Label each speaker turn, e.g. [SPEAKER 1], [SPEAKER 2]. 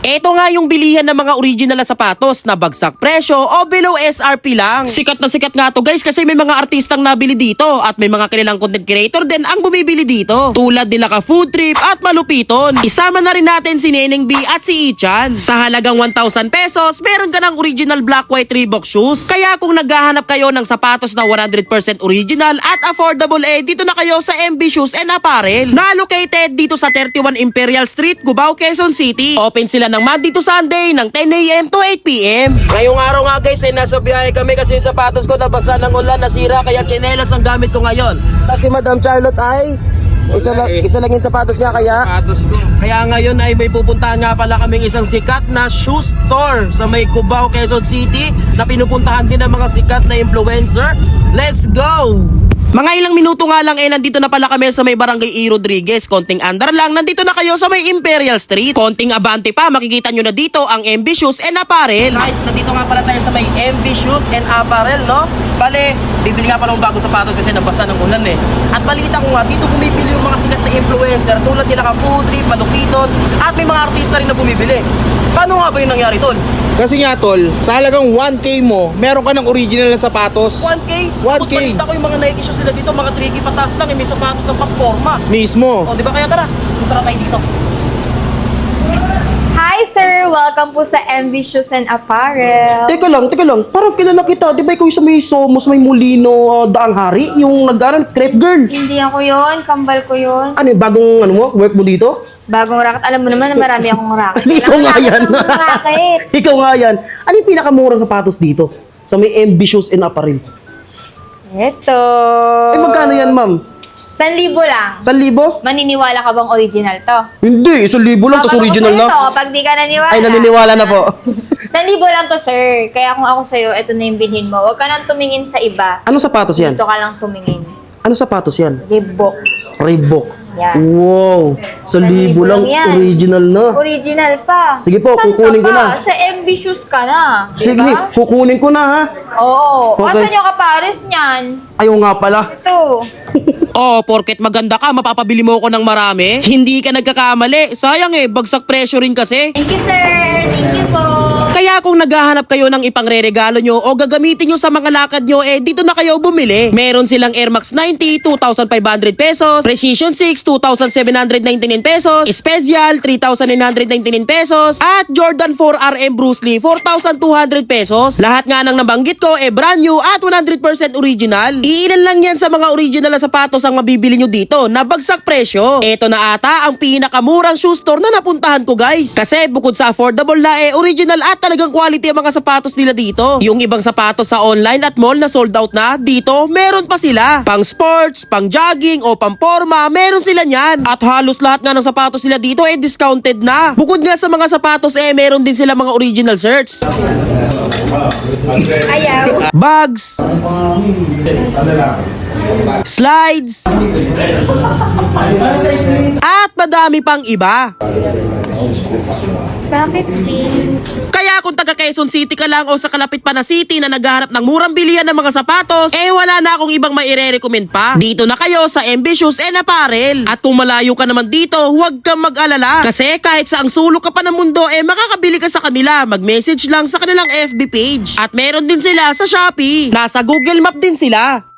[SPEAKER 1] Ito nga yung bilihan ng mga original na sapatos na bagsak presyo o below SRP lang. Sikat na sikat nga to guys kasi may mga artistang nabili dito at may mga kanilang content creator din ang bumibili dito. Tulad nila ka Food Trip at Malupiton. Isama na rin natin si Neneng B at si Ichan. Sa halagang 1,000 pesos, meron ka ng original black white Reebok shoes. Kaya kung naghahanap kayo ng sapatos na 100% original at affordable dito na kayo sa MB Shoes and Apparel. Na located dito sa 31 Imperial Street, Cubao, Quezon City. Open sila ng Monday to Sunday ng 10 AM to 8 PM. Ngayong araw nga guys nasa biyahe kami kasi yung sapatos ko nabasa ng ulan, nasira kaya tsinelas ang gamit ko ngayon. Tapos si Madam Charlotte ay isa lang yung sapatos niya kaya ngayon ay may pupuntahan nga pala kaming isang sikat na shoe store sa may Cubao, Quezon City na pinupuntahan din ng mga sikat na influencer. Let's go! Mga ilang minuto nga lang nandito na pala kami sa may Barangay E. Rodriguez. Konting andar lang, nandito na kayo sa may Imperial Street. Konting abante pa, makikita nyo na dito ang MB Shoes and Apparel. Guys, nandito nga pala tayo sa may MB Shoes and Apparel, no? Bale, bibili nga pala ng bagong sapatos kasi nabasa ng ulan At balita ko nga, dito bumibili yung mga sikat na influencer tulad nila ka Food Trip, Malupiton, at may mga artista rin na bumibili. Paano nga ba yung nangyari, tol?
[SPEAKER 2] Kasi nga tol, sa halagang 1K mo, meron ka ng original na sapatos.
[SPEAKER 1] 1K?
[SPEAKER 2] 1K.
[SPEAKER 1] Tapos balita ko yung mga Nike shoes nila dito, mga 3K patas lang, may sapatos ng pang-forma.
[SPEAKER 2] Mismo.
[SPEAKER 1] O, di ba? Kaya tara, punta tayo dito.
[SPEAKER 3] Hi sir! Welcome po sa MV Shoes and Apparel.
[SPEAKER 1] Teka lang. Parang kilala kita. Di ba ikaw yung sa may Somos, may Molino, Daang Hari? Yung nag-aaral, crepe girl.
[SPEAKER 3] Hindi ako yon, kambal ko yon.
[SPEAKER 1] Ano yung bagong work mo dito?
[SPEAKER 3] Bagong racket. Alam mo naman na marami akong racket.
[SPEAKER 1] Ikaw nga yan.
[SPEAKER 3] Racket.
[SPEAKER 1] Ikaw nga yan. Ano yung pinakamurang sapatos dito? Sa may MB Shoes and Apparel.
[SPEAKER 3] Ito.
[SPEAKER 1] Magkano yan, ma'am?
[SPEAKER 3] 1,000 lang.
[SPEAKER 1] 1,000?
[SPEAKER 3] Maniniwala ka bang original to?
[SPEAKER 1] Hindi, 1,000 lang. Tapos original na.
[SPEAKER 3] Ito, kapag di ka naniwala.
[SPEAKER 1] Ay, naniniwala na po.
[SPEAKER 3] 1,000 lang to sir. Kaya kung ako sa'yo, ito na yung bilhin mo. Huwag ka nang tumingin sa iba.
[SPEAKER 1] Ano sapatos yan?
[SPEAKER 3] Dito ka lang tumingin.
[SPEAKER 1] Ano sapatos yan?
[SPEAKER 3] Reebok.
[SPEAKER 1] Reebok.
[SPEAKER 3] Yan.
[SPEAKER 1] Wow, 1,000 lang,
[SPEAKER 3] yan.
[SPEAKER 1] original na.
[SPEAKER 3] Original pa.
[SPEAKER 1] Sige po,
[SPEAKER 3] Saan
[SPEAKER 1] kukunin
[SPEAKER 3] ka
[SPEAKER 1] ko
[SPEAKER 3] pa?
[SPEAKER 1] na.
[SPEAKER 3] Sa MB Shoes ka na.
[SPEAKER 1] Sige,
[SPEAKER 3] Diba?
[SPEAKER 1] kukunin ko na ha.
[SPEAKER 3] Oo.
[SPEAKER 1] Okay.
[SPEAKER 3] Asan yung kapares niyan?
[SPEAKER 1] Ayaw nga pala.
[SPEAKER 3] Ito.
[SPEAKER 1] Oh, porket maganda ka, mapapabili mo ko ng marami. Hindi ka nagkakamali. Sayang bagsak presyo rin kasi.
[SPEAKER 3] Thank you, sir. Thank you po.
[SPEAKER 1] Kaya kung naghahanap kayo ng ipangre-regalo nyo o gagamitin nyo sa mga lakad nyo, dito na kayo bumili. Meron silang Air Max 90, 2,500 pesos. Precision 6, 2,799 pesos. Special, 3,999 pesos. At Jordan 4 RM Bruce Lee, 4,200 pesos. Lahat nga ng nabanggit ko, brand new at 100% original. Iilan lang yan sa mga original na sapatos ang mabibili nyo dito na bagsak presyo. Ito na ata ang pinakamurang shoe store na napuntahan ko guys. Kasi bukod sa affordable na original at talagang quality ang mga sapatos nila dito. Yung ibang sapatos sa online at mall na sold out na, dito meron pa sila. Pang sports, pang jogging o pang forma, meron sila niyan. At halos lahat nga ng sapatos nila dito discounted na. Bukod nga sa mga sapatos meron din sila mga original shirts.
[SPEAKER 3] Ayaw.
[SPEAKER 1] Bags. Slides. At madami pang iba.
[SPEAKER 3] Bakit pink?
[SPEAKER 1] Kaya kung taga Quezon City ka lang o sa kalapit pa na city na naghahanap ng murang bilihan ng mga sapatos, wala na akong ibang maire-recommend pa. Dito na kayo sa MB Shoes and Apparel. At kung malayo ka naman dito, huwag kang mag-alala. Kasi kahit sa ang sulok ka pa ng mundo, makakabili ka sa kanila. Mag-message lang sa kanilang FB page. At meron din sila sa Shopee. Nasa Google Map din sila.